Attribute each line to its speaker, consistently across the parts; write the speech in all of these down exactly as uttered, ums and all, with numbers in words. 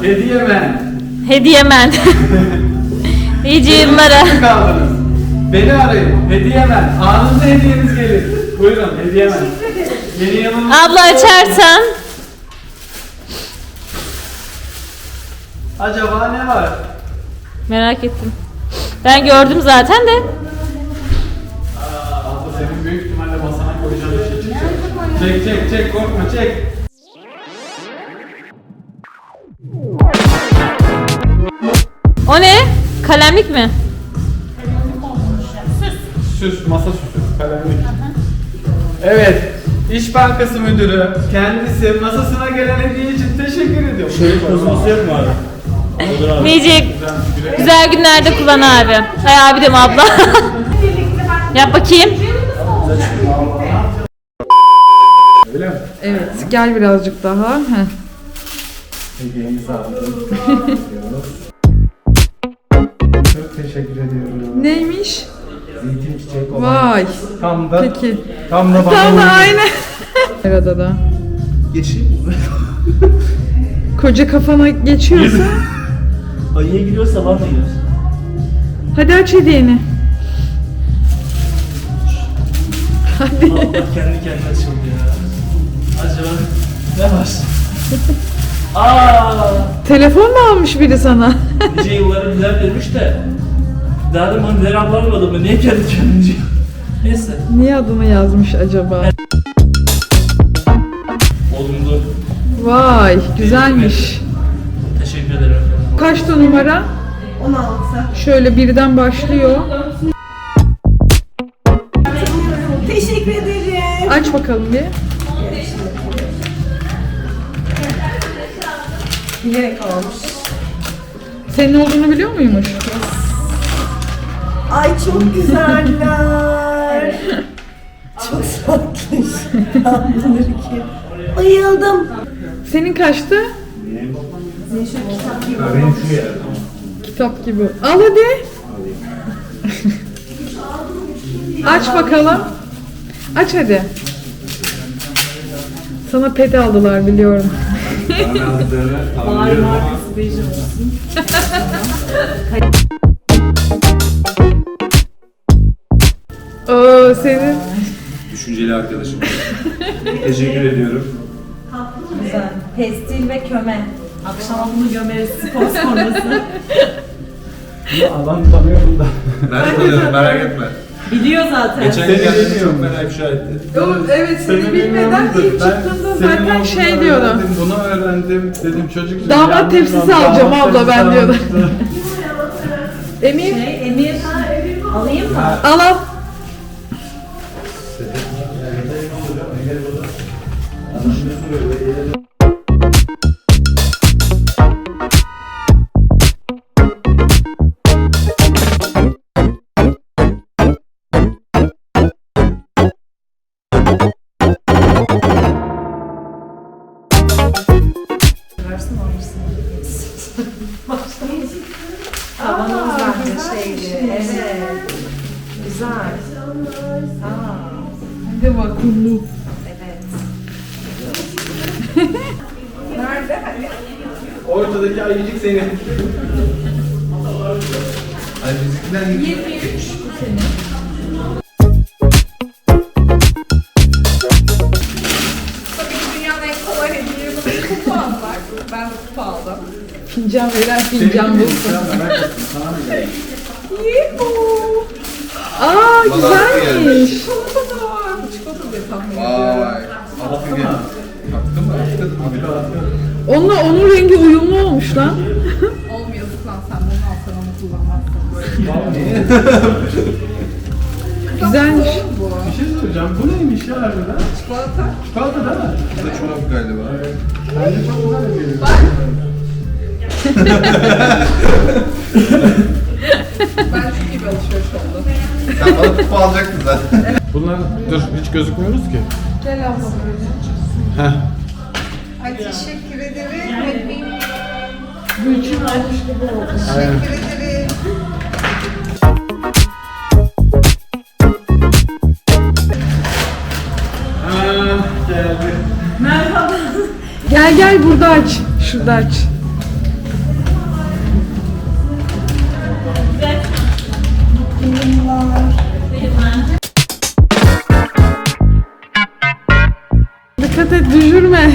Speaker 1: Hediyemen.
Speaker 2: Hediyemen. İyice yıllara.
Speaker 1: Kaldınız. Beni arayın. Hediyemen. Anında hediyeniz gelir. Buyurun Hediyemen. Yeni yılın...
Speaker 2: Abla açarsan.
Speaker 1: Acaba ne var?
Speaker 2: Merak ettim. Ben gördüm zaten de.
Speaker 1: Aa, abla senin büyük ihtimalle masana koyacağın bir şey çıkacak. Çek çek çek korkma çek.
Speaker 2: O ne? Kalemlik mi?
Speaker 1: Süs, masa süsü, kalemlik. Evet, İş Bankası Müdürü kendisi masasına gelen hediye için teşekkür ediyor.
Speaker 3: Şöyle kozması yok mu abi? Olur abi.
Speaker 2: Nice güzel günlerde kullan abi. Hay abi dem abla. Yap bakayım.
Speaker 1: Öyle mi?
Speaker 4: Evet, gel birazcık daha. Heh.
Speaker 1: Hediyemizi aldım. Çok teşekkür ediyorum.
Speaker 4: Neymiş?
Speaker 1: Zeytin çiçek olan.
Speaker 4: Vay.
Speaker 1: Tam da,
Speaker 4: Peki.
Speaker 1: tam da bana
Speaker 4: Tam da
Speaker 1: uygun.
Speaker 4: aynı. Arada da.
Speaker 3: Geçeyim mi?
Speaker 4: Koca kafana geçiyorsa.
Speaker 3: Ayıya giriyor sabah mı giriyorsun?
Speaker 4: Hadi aç hediyeni. Hadi.
Speaker 3: Allah kendi kendine açıldı ya. Acaba ne var? Aaa!
Speaker 4: Telefon mu almış biri sana?
Speaker 3: Nice yılları bilen vermiş de. Daha da bana neler ablanmadı mı? Niye kendi kendine diyor? Neyse.
Speaker 4: Niye adını yazmış acaba?
Speaker 3: Olumlu.
Speaker 4: Vay, güzelmiş.
Speaker 3: Teşekkür ederim efendim.
Speaker 4: Kaçta numara? on altı. Şöyle birden başlıyor.
Speaker 5: Teşekkür ederim.
Speaker 4: Aç bakalım bir.
Speaker 5: Bilerek almış.
Speaker 4: Senin olduğunu biliyor muymuş?
Speaker 5: Ay çok güzeller. Çok tatlış. Alınır ki. Bayıldım.
Speaker 4: Senin kaçtı? Kitap gibi. Al hadi. Aç bakalım. Aç hadi. Sana pet aldılar biliyorum.
Speaker 5: Bağır markası beji olsun.
Speaker 4: Oo senin.
Speaker 6: Düşünceli arkadaşım. Teşekkür ediyorum.
Speaker 5: Güzel. Pestil ve köme. Akşama bunu gömeriz spor sonrası.
Speaker 1: Bunu alan tanıyorum da.
Speaker 6: Ben tanıyorum merak etme.
Speaker 5: Biliyor zaten.
Speaker 6: Geçen gün geldiğinde çok fena ifşa etti.
Speaker 4: O, evet seni bilmeden ilk çıktığında zaten şey diyordu.
Speaker 1: Bunu öğrendim dedim çocuk.
Speaker 4: Damat tepsisi alacağım abla ben diyordu. Emir
Speaker 5: Şey, Emir. Alayım mı?
Speaker 4: al al.
Speaker 5: Tavanımız bence şeydi. Evet. Güzel. Aa,
Speaker 4: Hadi vakumlu.
Speaker 5: evet.
Speaker 1: Ortadaki ayıcık senin.
Speaker 6: Ay bizimkiler
Speaker 4: yirmi üç bu senin.
Speaker 7: Tabii ki dünyanın en kolay hediyesi kupa almak. Ben de kupa aldım.
Speaker 4: Fincan veren fincan bulsun.
Speaker 7: Yuhuu!
Speaker 4: Aa güzelmiş.
Speaker 7: Çikolata da var. Çikolata diye tahmin ediyorum.
Speaker 6: Vay. Allah bir Taktın mı? Taktın mı?
Speaker 4: Onunla onun rengi uyumlu olmuş lan.
Speaker 7: Olmuyor lan sen bunu alsan onu kullanmazsın.
Speaker 4: Güzelmiş.
Speaker 1: Bir şey soracağım. Bu neymiş ya harbiden?
Speaker 7: Çikolata.
Speaker 1: Çikolata değil mi?
Speaker 6: Bu da çorap galiba.
Speaker 1: Bence çok güzel bir geliyor.
Speaker 7: Ben çok iyi bir alışveriş oldu.
Speaker 6: Sen bana kupa alacaktın zaten.
Speaker 1: Bunlar dur hiç gözükmüyoruz ki.
Speaker 7: Gel abla böyle.
Speaker 1: Heh.
Speaker 7: Ay teşekkür ederim.
Speaker 4: Gülçin almış gibi oldu.
Speaker 1: Aynen.
Speaker 7: Teşekkür ederim.
Speaker 1: Aa, geldi.
Speaker 4: Gel gel burada aç. Şurada aç. et düşürme.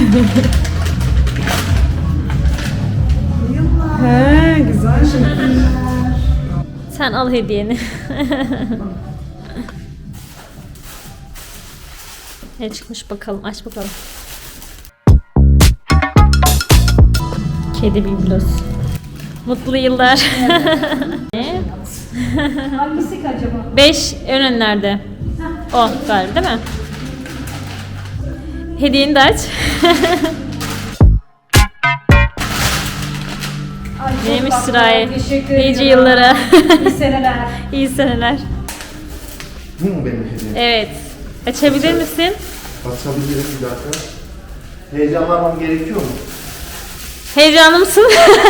Speaker 4: He güzel.
Speaker 2: Sen al hediyeni. Ne çıkmış bakalım, aç bakalım. Kedi biblos. Mutlu yıllar. Ne?
Speaker 5: Hangisi acaba?
Speaker 2: Beş en önlerde. O galiba değil mi? Hediyeni de aç.
Speaker 5: Ay, çok
Speaker 2: Neymiş
Speaker 5: tatlı.
Speaker 2: sırayı?
Speaker 5: Teşekkür
Speaker 2: Nice
Speaker 5: ediyorum.
Speaker 2: yıllara.
Speaker 5: İyi seneler.
Speaker 2: İyi seneler.
Speaker 6: Bu mu benim hediyem?
Speaker 2: Evet. Açabilir misin?
Speaker 6: Açabilirim bir dakika. Heyecanlanmam gerekiyor mu?
Speaker 2: Heyecanlı mısın?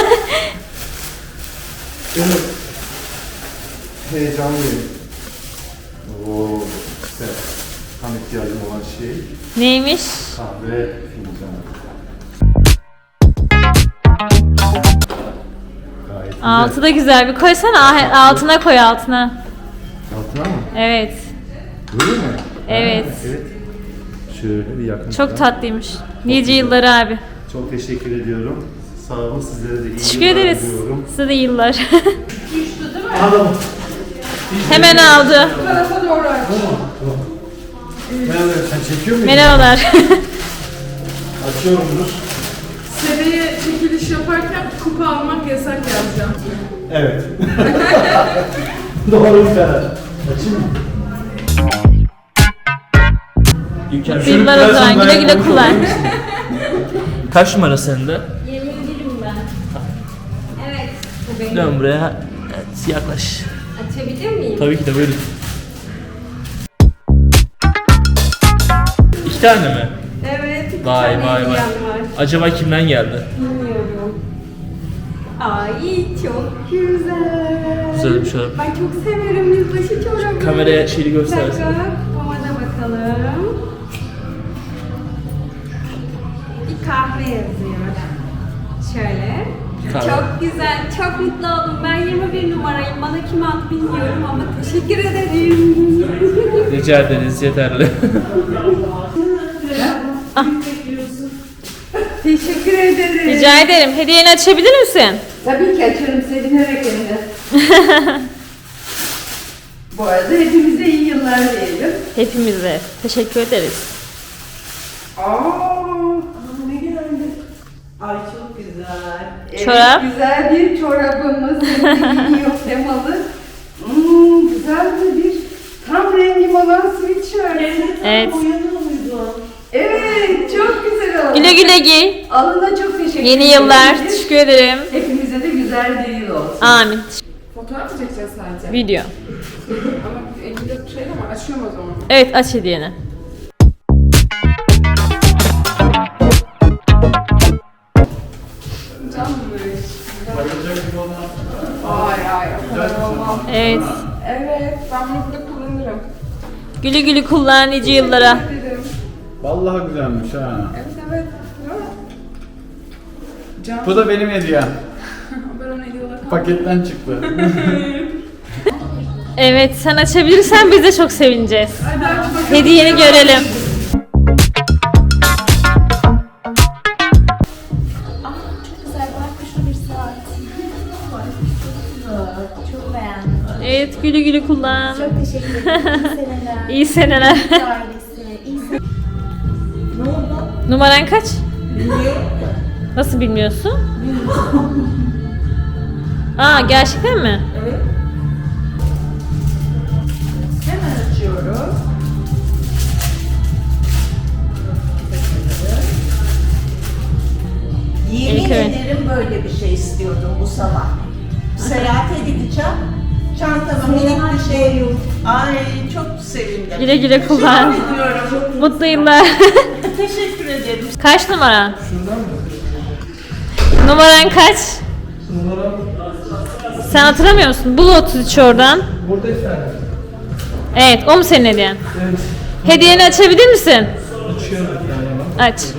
Speaker 6: Evet. Heyecanlıyım. Oo, güzel. Tam ihtiyacım olan şey
Speaker 2: Neymiş?
Speaker 6: kahve fincanı. Gayet güzel.
Speaker 2: Altı da güzel. Bir koysana. Ah, altına koy altına.
Speaker 6: Altına mı?
Speaker 2: Evet.
Speaker 6: Böyle mi?
Speaker 2: Evet.
Speaker 6: Ha, evet. Şöyle bir yakın.
Speaker 2: Çok
Speaker 6: plan.
Speaker 2: tatlıymış. Nice yılları abi.
Speaker 6: Çok teşekkür ediyorum. Sağ olun, sizlere de iyi
Speaker 2: Teşekkür
Speaker 6: yıllar
Speaker 2: ederiz.
Speaker 6: diliyorum.
Speaker 2: Size de yıllar.
Speaker 6: Adam.
Speaker 2: Hemen aldı.
Speaker 4: Tarafa doğru aç.
Speaker 6: Merhaba, sen çekiyor muydun?
Speaker 2: Merhabalar.
Speaker 6: Açıyorumdur.
Speaker 4: Seneye çekiliş yaparken kupa almak yasak yazacağım.
Speaker 6: Evet. Doğru bir karar. Açayım mı?
Speaker 3: İlker,
Speaker 2: Yıllar o zaman. Güle güle kullan.
Speaker 3: kaç numara sende?
Speaker 2: yirmi birim ben. Evet. Bu benim.
Speaker 3: Dön buraya. Evet, yaklaş.
Speaker 2: Açabilir miyim?
Speaker 3: Tabii ki de buyurun. İki tane mi?
Speaker 7: Evet. iki
Speaker 3: Vay
Speaker 7: tane
Speaker 3: vay vay.
Speaker 7: hediyem var.
Speaker 3: Acaba kimden geldi?
Speaker 7: Bilmiyorum. Ay çok güzel.
Speaker 3: Güzel bir şey.
Speaker 7: Ben çok severim yılbaşı çorabı.
Speaker 3: Kameraya şeyi göstersin.
Speaker 7: Kupama da bakalım. Bir kahve yazıyor. Şöyle.
Speaker 3: Kahve.
Speaker 7: Çok güzel, çok mutlu oldum. Ben yirmi bir numarayım. Bana kim aldı bilmiyorum ama teşekkür ederim.
Speaker 3: Rica ederiz, yeterli.
Speaker 7: Teşekkür ederim.
Speaker 2: Rica ederim. Hediyeni açabilir misin?
Speaker 7: Tabii ki açarım sevinerek hem de. Bu arada hepimize iyi yıllar diyelim.
Speaker 2: Hepimize. Teşekkür ederiz.
Speaker 7: Aa, ne geldi? Ay çok güzel. Evet,
Speaker 2: Çorap.
Speaker 7: güzel bir çorabımız. Giyiyor temalı. Hmm, güzel de bir tam rengim olan sweatshirt.
Speaker 2: Evet.
Speaker 7: Evet, çok güzel oldu.
Speaker 2: Güle güle giy.
Speaker 7: Alına çok teşekkür
Speaker 2: Yeni
Speaker 7: ederim.
Speaker 2: yıllar. Teşekkür ederim.
Speaker 7: Hepimize de güzel bir yıl olsun.
Speaker 2: Amin.
Speaker 4: Fotoğraf mı çekeceğiz sadece?
Speaker 2: Video.
Speaker 4: Ama elinde şey ama açıyorum o zaman.
Speaker 2: Evet aç hediyeni.
Speaker 4: Canmış. Ay ay o kadar olmam.
Speaker 2: Evet.
Speaker 4: Evet ben bunu burada kullanırım.
Speaker 2: Güle güle kullan nice yıllara.
Speaker 4: Dedim.
Speaker 1: Vallahi güzelmiş ha.
Speaker 4: Evet evet. Değil mi? Can.
Speaker 1: Bu da benim hediyem.
Speaker 4: Ben onu hediye olarak aldım.
Speaker 1: Paketten çıktı.
Speaker 2: Evet sen açabilirsen biz de çok sevineceğiz.
Speaker 4: Hadi aç bakalım.
Speaker 2: Hediyeni görelim.
Speaker 8: Çok beğendim.
Speaker 2: Evet güle güle kullan.
Speaker 8: Çok teşekkür ederim. İyi seneler.
Speaker 2: İyi seneler.
Speaker 8: Ailesi. İyi seneler.
Speaker 2: Numaran kaç? Nasıl bilmiyorsun? Aa gerçekten mi?
Speaker 7: Hemen açıyoruz.
Speaker 9: Yemin
Speaker 2: İlk öğün.
Speaker 9: ederim böyle bir şey istiyordum bu sabah. Seyahate gideceğim. Çantama minik bir şey yok. Ay çok sevindim.
Speaker 2: Güle güle kullan.
Speaker 9: Ediyorum.
Speaker 2: Mutlu yıllar.
Speaker 9: Teşekkür ederim.
Speaker 2: Kaç numaran?
Speaker 6: Şuradan mı?
Speaker 2: Numaran kaç?
Speaker 6: Numaram
Speaker 2: Sen hatırlamıyor musun? Bul otuz üç oradan.
Speaker 6: burada efendim.
Speaker 2: Evet o mu senin hediyen?
Speaker 6: Evet.
Speaker 2: Hediyeni açabilir misin?
Speaker 6: Açıyorum bir tane hemen.
Speaker 2: Aç.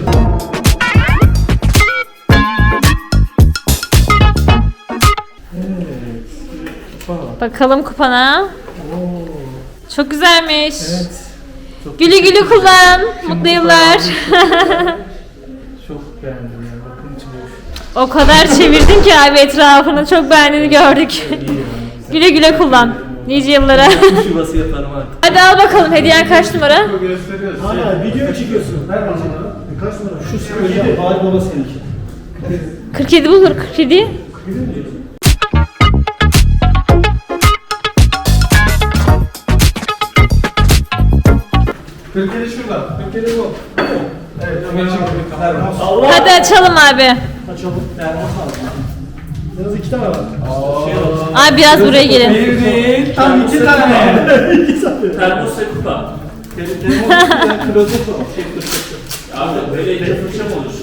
Speaker 6: Kupa.
Speaker 2: Bakalım kupana. Çok güzelmiş.
Speaker 6: Evet.
Speaker 2: Güle güle kullan. Mutlu yıllar.
Speaker 1: Çok beğendim ya. Bakın içi boş.
Speaker 2: O kadar çevirdin ki abi etrafını. Çok beğendiğini gördük. Güle güle kullan. Nice yıllara.
Speaker 3: Kuş yuvası yaparım artık.
Speaker 2: Hadi al bakalım. Hediyen kaç numara?
Speaker 1: Gösteriyoruz.
Speaker 10: Hala video mu çekiyorsun? Ver bana. Kaç numara? Şu söyledi. Bari baba seninki.
Speaker 2: kırk yedi bulur. kırk yedi.
Speaker 1: kırk yedi şurada. kırk yedi bu. Evet, Ömer için
Speaker 10: Termos.
Speaker 3: Allah!
Speaker 2: Hadi açalım abi.
Speaker 10: Açalım. Termos aldım. Yalnız iki tane var.
Speaker 2: Abi biraz buraya gelin.
Speaker 1: Bir değil, tam iki tane.
Speaker 10: İki tane.
Speaker 3: Termos ve kupa.
Speaker 10: Termos klozof var.
Speaker 3: Abi böyle iki fırça mı olur?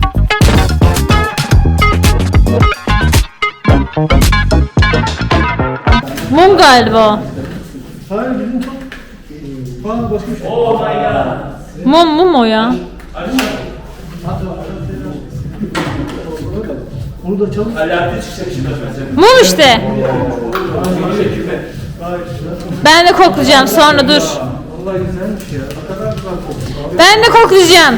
Speaker 2: Mum galiba o.
Speaker 10: Hayır bizim çok... Aa başka bir şey.
Speaker 3: Oh my god.
Speaker 2: Mum mum o ya.
Speaker 10: Onu da açalım.
Speaker 3: Alaaddin çıkacak şimdi efendim.
Speaker 2: Mum işte.
Speaker 3: Teşekkürler.
Speaker 2: Ben de koklayacağım sonra dur.
Speaker 10: Vallahi güzelmiş ya. Ne kadar güzel koktu.
Speaker 2: Ben de koklayacağım.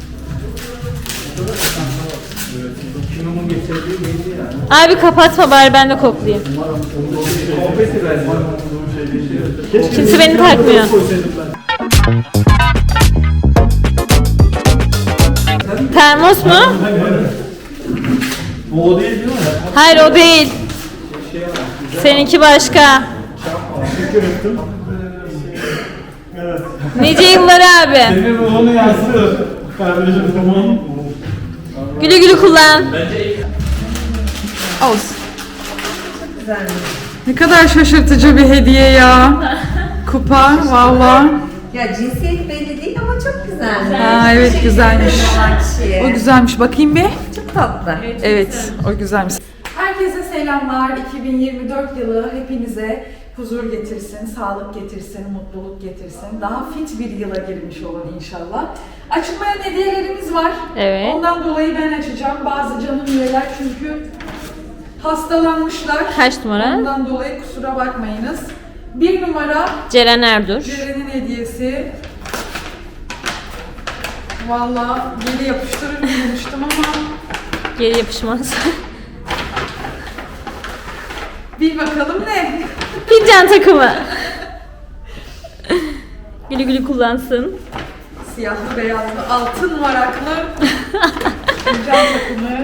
Speaker 10: Kinumun getirdiği belli yani.
Speaker 2: Abi kapatma bari ben de koklayayım.
Speaker 10: Konfeti verdim.
Speaker 2: Kimse beni takmıyor. Termos mu?
Speaker 10: Bu o değil değil mi?
Speaker 2: Hayır o değil. Seninki başka.
Speaker 10: Teşekkür ettim. Evet.
Speaker 2: Nice yıllar abi.
Speaker 1: Senin ruhunu yansıtır. Kardeşim tamam.
Speaker 2: Güle güle kullan.
Speaker 4: Olsun. Ne kadar şaşırtıcı bir hediye ya. Kupa valla.
Speaker 5: Ya cinsiyet belli değil ama çok güzel.
Speaker 4: Aa, evet güzelmiş.
Speaker 5: Kişiye.
Speaker 4: O güzelmiş. Bakayım bir.
Speaker 5: Çok tatlı.
Speaker 4: Evet, o güzelmiş. Herkese selamlar. iki bin yirmi dört yılı hepinize huzur getirsin, sağlık getirsin, mutluluk getirsin. Daha fit bir yıla girmiş olun inşallah. Açılmayan hediyelerimiz var.
Speaker 2: Evet.
Speaker 4: Ondan dolayı ben açacağım. Bazı canım üyeler çünkü hastalanmışlar.
Speaker 2: Kaç numara?
Speaker 4: Ondan dolayı kusura bakmayınız. Bir numara
Speaker 2: Ceren Erdur.
Speaker 4: Ceren'in hediyesi. Vallahi geri yapıştırır demiştim ama
Speaker 2: Geri yapışmaz.
Speaker 4: bir bakalım ne?
Speaker 2: Fincan takımı. Güle güle kullansın.
Speaker 4: Siyahlı beyazlı altın varaklı fincan takımı.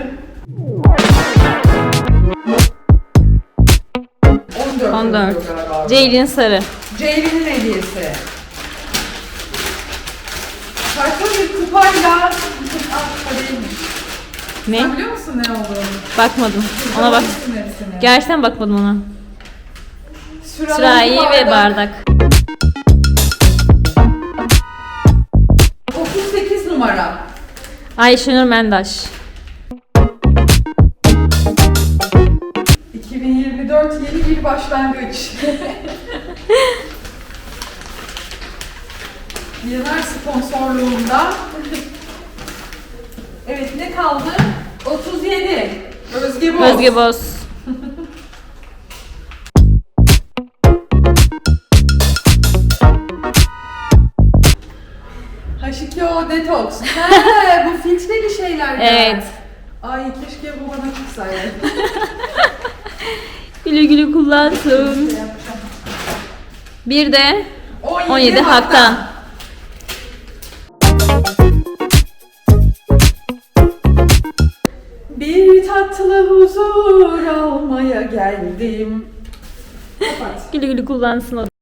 Speaker 4: on dört.
Speaker 2: on dört.
Speaker 4: oluyor galiba.
Speaker 2: Ceylin Sarı.
Speaker 4: Ceylin'in hediyesi. Farklı bir kupayla... Aa, kupa değilmiş.
Speaker 2: Ne?
Speaker 4: Sen biliyor musun ne olduğunu?
Speaker 2: Bakmadım. Ona bak.
Speaker 4: Biliyorsun hepsini.
Speaker 2: Gerçekten bakmadım ona.
Speaker 4: Sürahi,
Speaker 2: Sürahi ve bardak.
Speaker 4: otuz sekiz numara.
Speaker 2: Ayşenur Mendaş.
Speaker 4: iki bin yirmi dört yeni bir başlangıç. Yener sponsorluğunda. Evet ne kaldı? otuz yedi. Özge Boz.
Speaker 2: Özge Boz.
Speaker 4: H iki O Detox. He, bu filtreli şeyler.
Speaker 2: Evet.
Speaker 4: Ay keşke bu bana çıksaydı.
Speaker 2: Güle güle kullansın. Bir de on yedi Hak'tan.
Speaker 4: Bir tatlı huzur almaya geldim. Kapat.
Speaker 2: Güle güle kullansın o.